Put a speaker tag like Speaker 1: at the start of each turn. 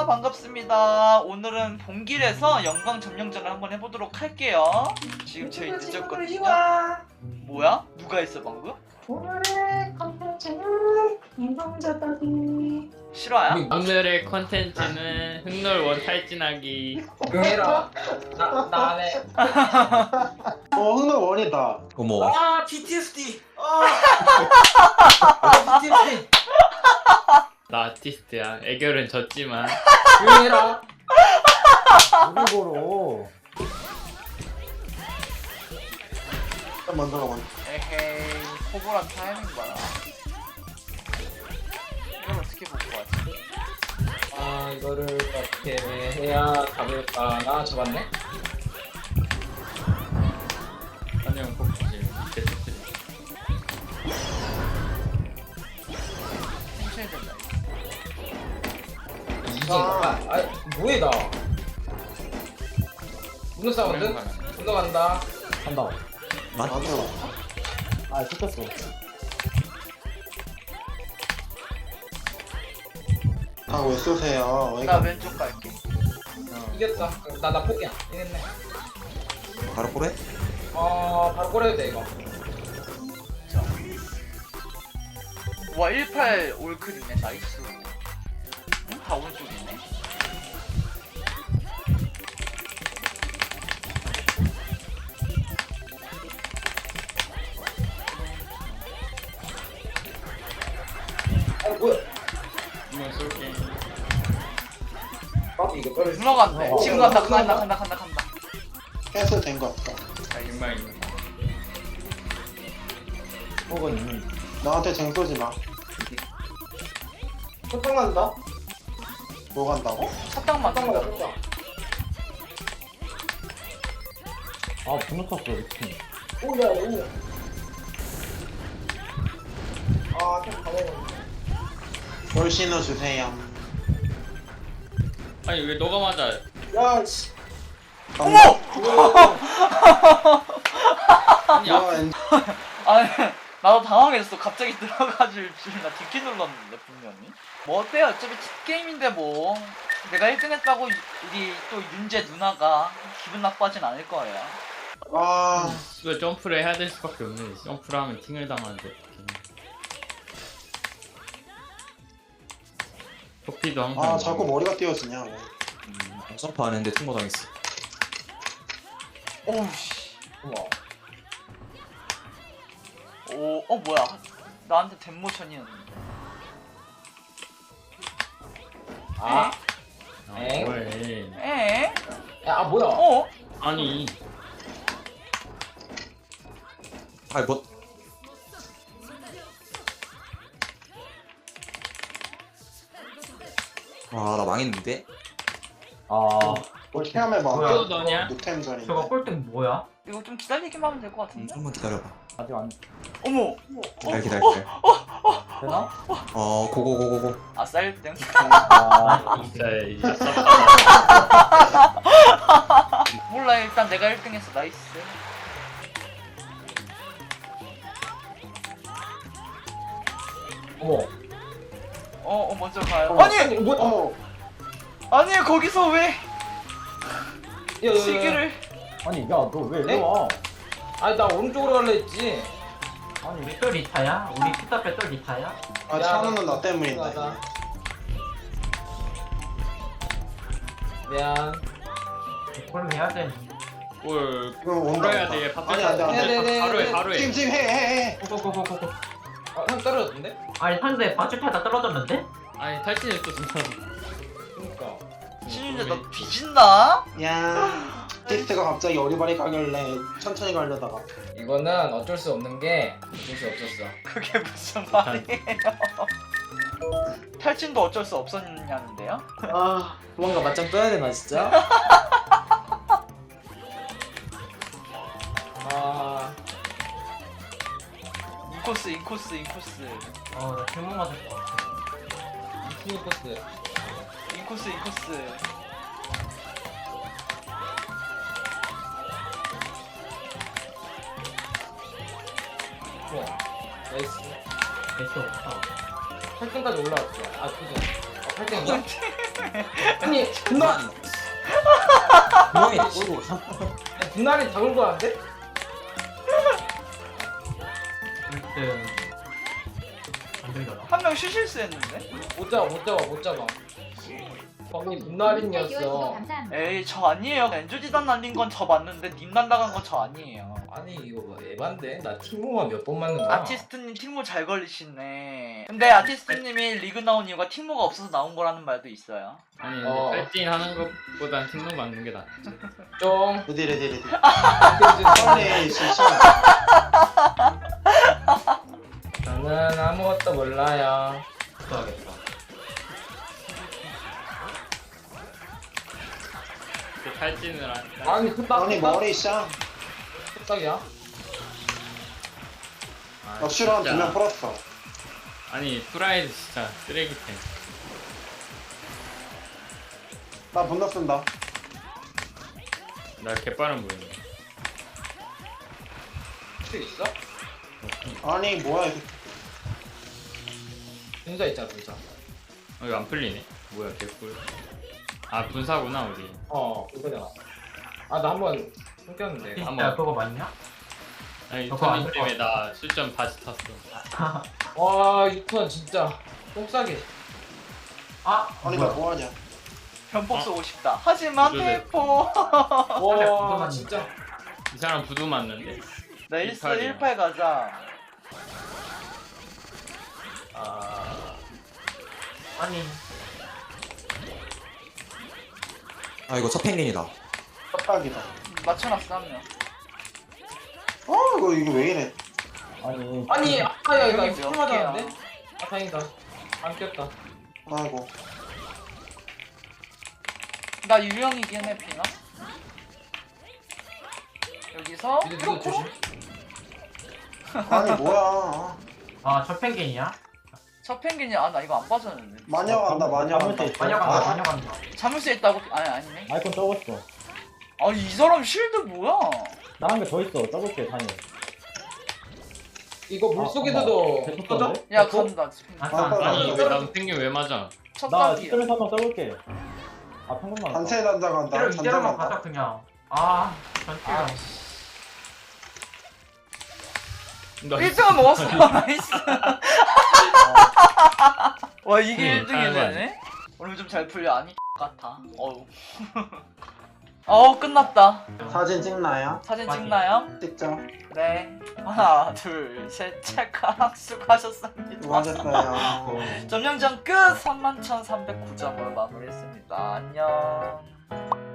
Speaker 1: 반갑습니다. 오늘은 본길에서 영광 점령전을 한번 해보도록 할게요. 지금 저희 늦었거든요. 뭐야? 누가 했어 방금?
Speaker 2: 오늘의 컨텐츠는 인성자다기.
Speaker 1: 실화야?
Speaker 3: 오늘의 컨텐츠는 흑놀원 탈진하기.
Speaker 4: 응해라. 나 안 해.
Speaker 5: 흥은 원이다.
Speaker 6: 어머.
Speaker 4: 아 PTSD. PTSD.
Speaker 3: 나 아티스트야. 애결은 졌지만.
Speaker 4: 응해라.
Speaker 5: 우리보로. 먼저 가 먼저.
Speaker 1: 에헤이 호불한 타이밍 봐라. 이걸 어떻게 보고 가지?
Speaker 4: 아 이거를 어떻게 해야 잡을까? 나 잡았네.
Speaker 3: 한영 꼭 주세요. 밑에 터뜨려.
Speaker 1: 천천히 된다.
Speaker 4: 이긴가? 아 뭐해 나? 문어 사운드? 문어 간다.
Speaker 5: 간다.
Speaker 6: 나도.
Speaker 5: 아, 섞였어. 아, 왜 쏘세요?
Speaker 1: 나 왼쪽 갈게.
Speaker 4: 이겼다. 나 포기야. 이겼네.
Speaker 6: 바로 꼬래?
Speaker 4: 바로 꼬려도 돼 이거.
Speaker 1: 와 18 올클이네. 나이스. 응? 다 오른쪽이네.
Speaker 4: 뭐야?
Speaker 3: 한번 쏠게.
Speaker 4: 이거 떨어지.
Speaker 1: 문어 간대.
Speaker 5: 어,
Speaker 1: 지금
Speaker 5: 어,
Speaker 1: 간다.
Speaker 5: 어,
Speaker 1: 간다.
Speaker 5: 캔슬 된거 같다.
Speaker 1: 자,
Speaker 3: 정말
Speaker 5: 혹은 있는. 나한테 쟁 쏘지 마.
Speaker 4: 소통 간다.
Speaker 5: 뭐 간다고?
Speaker 1: 사탕 맞는다.
Speaker 4: 소통.
Speaker 5: 아, 분노 탔어, 이렇게.
Speaker 4: 오야 오야. 좀 가만히.
Speaker 5: 뭘 신어주세요.
Speaker 3: 아니 왜 너가 맞아?
Speaker 4: 야 씨.
Speaker 1: 어머!
Speaker 3: 아니
Speaker 5: 야, 엔-
Speaker 1: 아니 나도 당황했어. 갑자기 들어가줄 줄 나 뒷키 눌렀는데 분명히. 뭐 어때요? 어차피 팁게임인데 뭐 내가 1등 했다고 우리 또 윤재 누나가 기분 나빠하진 않을 거예요.
Speaker 5: 아,
Speaker 3: 이거 점프를 해야 될 수밖에 없네. 점프를 하면 팅을 당하는데 어떡해. 토끼도 항상.
Speaker 5: 아, 자꾸 머리가 띄어지냐. 왜.
Speaker 6: 점프 안 했는데 통보 당했어.
Speaker 1: 오우씨.
Speaker 4: 어머.
Speaker 1: 뭐야. 나한테 덴모션이었는데.
Speaker 4: 아.
Speaker 3: 아,
Speaker 4: 엥?
Speaker 3: 뭐해.
Speaker 1: 에?
Speaker 4: 야 뭐야?
Speaker 1: 어?
Speaker 3: 아니
Speaker 6: 아, 뭐. 아, 나 망했는데?
Speaker 5: 뭘 체험해봐.
Speaker 3: 또 너냐?
Speaker 5: 노템 전인데.
Speaker 2: 저거 꼴등 뭐야?
Speaker 1: 이거 좀 기다리기만 하면 될 것 같은데?
Speaker 6: 좀만 기다려봐.
Speaker 5: 아직 안
Speaker 1: 어머!
Speaker 6: 기다려.
Speaker 5: 되나?
Speaker 6: 고고고고고.
Speaker 1: 아싸 1등.
Speaker 3: 진짜 이제
Speaker 1: 몰라 일단 내가 1등 했어. 나이스.
Speaker 4: 어머.
Speaker 1: 먼저 가요.
Speaker 5: 어머.
Speaker 1: 아니!
Speaker 4: 뭐야?
Speaker 5: 어머,
Speaker 1: 아니 거기서 왜
Speaker 4: 야,
Speaker 1: 시기를
Speaker 5: 아니, 야, 너 왜
Speaker 4: 네?
Speaker 5: 와?
Speaker 4: 아니 나 오른쪽으로 갈라 했지.
Speaker 2: 아니 우리 또 리타야? 우리 피터패 또 리타야?
Speaker 5: 아,
Speaker 4: 야,
Speaker 5: 찬우는
Speaker 4: 나-
Speaker 5: 나 때문이다.
Speaker 4: 미안하다. 미안.
Speaker 2: 그럼 해야 돼.
Speaker 3: 뭘
Speaker 5: 이거 온다.
Speaker 3: 풀어야 돼.
Speaker 5: 아니, 안 돼, 안 돼.
Speaker 4: 네.
Speaker 3: 바로 해.
Speaker 5: 지금 해.
Speaker 2: 고고고고고.
Speaker 4: 형 떨어졌는데?
Speaker 2: 아니 상대 방출 타다 떨어졌는데?
Speaker 3: 아니 탈진했어 진짜.
Speaker 4: 그니까.
Speaker 1: 신윤재 너 뒤진다?
Speaker 5: 야, 테스트가 갑자기 어리바리 가길래 천천히 가려다가.
Speaker 4: 이거는 어쩔 수 없는 게 어쩔 수 없었어.
Speaker 1: 그게 무슨 말이에요? 탈진도 어쩔 수 없었냐는데요?
Speaker 4: 아 도망가 맞짱 떠야 되나 진짜? 아
Speaker 1: 인코스.
Speaker 2: 나 질문 맞을 것 같아.
Speaker 4: 이팀 코스.
Speaker 1: 인코스.
Speaker 4: 좋아. 나이스.
Speaker 2: 됐어.
Speaker 4: 8등까지 올라왔죠. 아 9등. 8등인가? 아니 분날
Speaker 6: 분명히
Speaker 4: 분날이 다 굴고 하는데?
Speaker 2: 1등 안 되려나?
Speaker 1: 한 명 실수했는데?
Speaker 4: 못 잡아. 범이 분날이었어.
Speaker 1: 에이 저 아니에요. 엔조지단 날린 건 저 맞는데 님 날라간 건 저 아니에요.
Speaker 4: 아니 이거 뭐 에반데? 나 팀모만 몇 번 맞는 거야?
Speaker 1: 아티스트님 팀모 잘 걸리시네. 근데 아티스트님이 리그 나온 이유가 팀모가 없어서 나온 거라는 말도 있어요.
Speaker 3: 아니
Speaker 4: 어.
Speaker 3: 팔진 하는 것보단 팀로 맞는 게 낫지.
Speaker 4: 좀
Speaker 5: 레디.
Speaker 4: 빨리
Speaker 5: 빨리 실시.
Speaker 4: 저는 아무것도 몰라요.
Speaker 2: 써야겠다.
Speaker 3: 그 팔진을 한.
Speaker 4: 아니 후딱
Speaker 5: 아니 머리 쌍.
Speaker 4: 후딱이야?
Speaker 3: 아,
Speaker 5: 역시로
Speaker 3: 진짜.
Speaker 5: 한두명 풀었어.
Speaker 3: 아니 프라이드 진짜 쓰레기템.
Speaker 5: 나 분노 쓴다.
Speaker 3: 나 개빠른 보이네.
Speaker 4: 수 있어?
Speaker 5: 아니 뭐야 이게.
Speaker 4: 분사 있잖아 분사.
Speaker 3: 이거 안 풀리네. 뭐야 개꿀. 아 분사구나 우리.
Speaker 4: 이거잖아. 아 나 한번 숨겼는데.
Speaker 2: 진짜
Speaker 3: 한번.
Speaker 2: 그거 맞냐?
Speaker 3: 아니
Speaker 2: 저거 안
Speaker 3: 유턴
Speaker 2: 될 것
Speaker 3: 때문에 나 실점 다시 탔어.
Speaker 4: 와 유턴 진짜 똥싸게.
Speaker 2: 아!
Speaker 5: 아니
Speaker 2: 뭐야?
Speaker 5: 나 뭐하냐.
Speaker 1: 변폭 쏘고 싶다. 하지만
Speaker 3: 그러네.
Speaker 1: 페이퍼.
Speaker 4: 와 진짜.
Speaker 3: 이 사람 부두 맞는데.
Speaker 1: 나 1스
Speaker 3: 18이야.
Speaker 1: 18 가자.
Speaker 2: 아니
Speaker 6: 아 이거 첫 펭귄이다.
Speaker 5: 빡빡이다.
Speaker 1: 맞춰놨어 한 명.
Speaker 5: 이거 왜 이래.
Speaker 4: 아니 아야 이거
Speaker 1: 형이
Speaker 4: 이거
Speaker 1: 몇
Speaker 4: 맞았는데? 아 다행이다. 안 꼈다.
Speaker 5: 아이고.
Speaker 1: 나 유령이긴 해 피나. 여기서
Speaker 4: 이제 누구
Speaker 1: 크로크로?
Speaker 4: 조심.
Speaker 5: 아니 뭐야.
Speaker 2: 아저 펭귄이야?
Speaker 1: 저 펭귄이 나 이거 안 빠졌는데.
Speaker 5: 마녀 간다 마녀 간다.
Speaker 2: 마녀간다 마녀간다.
Speaker 1: 자물쇠 있다고 아니네.
Speaker 7: 아이콘 떠봤어.
Speaker 1: 이 사람 실드 뭐야?
Speaker 7: 나 한 개 더 있어. 떠볼게, 다니.
Speaker 4: 이거 물속에서도
Speaker 7: 계속
Speaker 4: 터져?
Speaker 7: 떠는데?
Speaker 1: 야
Speaker 7: 계속?
Speaker 1: 간다.
Speaker 3: 아니
Speaker 5: 아,
Speaker 3: 왜 난 펭귄 왜 맞아?
Speaker 1: 첫
Speaker 7: 나
Speaker 1: 단계야.
Speaker 7: 시점에서 한번 떠볼게. 아, 평균만.
Speaker 5: 단체 단자 간다.
Speaker 2: 이대로
Speaker 5: 단자
Speaker 2: 이대로만
Speaker 5: 간다.
Speaker 2: 가자 그냥. 아 전체가.
Speaker 1: 1등은 먹었어. 나이스. 와 이게 1등이
Speaker 3: 잘하네.
Speaker 1: 되네. 오늘 좀 잘 풀려. 아니 같아. 어우 끝났다.
Speaker 5: 사진 찍나요?
Speaker 1: 사진
Speaker 2: 맞지.
Speaker 1: 찍나요?
Speaker 5: 찍죠.
Speaker 1: 네. 하나 둘 셋 체크악 수고하셨습니다.
Speaker 5: 수고하셨어요.
Speaker 1: 점령전 끝 31,309점으로 마무리했습니다. 안녕.